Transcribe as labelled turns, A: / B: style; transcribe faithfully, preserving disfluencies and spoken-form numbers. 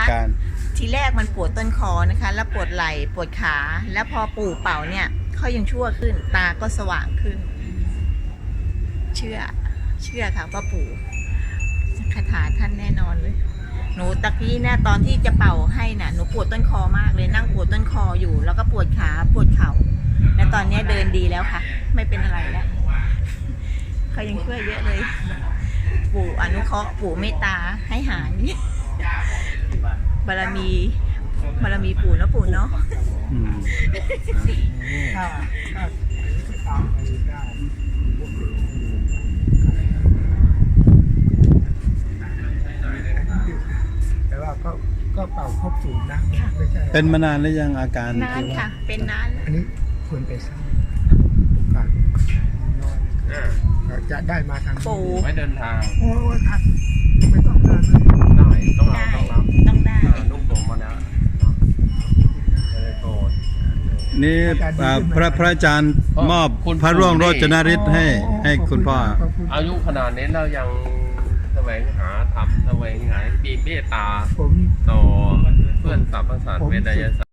A: การ
B: ทีแรกมันปวดต้นคอนะคะ แล้วปวดไหล่ปวดขา แล้วพอปู่เป่าเนี่ยเขายังชั่วขึ้น ตาก็สว่างขึ้น เชื่อ เชื่อค่ะว่าปู่คาถาท่านแน่นอนเลย หนูตะกี้เนี่ยตอนที่จะเป่าให้น่ะหนูปวดต้นคอมากเลยนั่งปวดต้นคออยู่ แล้วก็ปวดขาปวดเข่าและตอนนี้เดินดีแล้วค่ะ ไม่เป็นอะไรแล้วเขายังช่วยเยอะเลย ปู่อนุเคราะห์ปู่เมตตาให้หายบารมีบารมีปู่นะปู่เนาะ
A: อืม
C: ถ้าถ้าตามไปได้แต่ว่าก็ก็เป่าครบสูตรนะไม่ใช่
A: เป็นมานานหรือยังอาการ
B: นานค่ะ เป็นนาน
C: อันนี้ควรไปสร้างโอกาสน้อยจะได้มาทางนี้
B: ปู่
D: ไม่เดินทาง
C: โอ้ยครับไม่ต้องนานเลย
D: ได้ต้องเอา
B: ได้
D: ต้องรับ
B: ต้องได้
D: อ่านุ่มผมมาแล้วไม่ได้โกรธ
A: นี่อ่าพระพระอาจารย์มอบพระร่วงโรจนฤทธิ์ให้ให้คุณพ่อ
C: ขบคุณ
D: อายุขนาดนี้เรายังแสวงหาธรรมแสวงหาปีเมตตา
C: ผม
D: ต่อเพื่อนสรรพสัตว์เวทยศาสตร์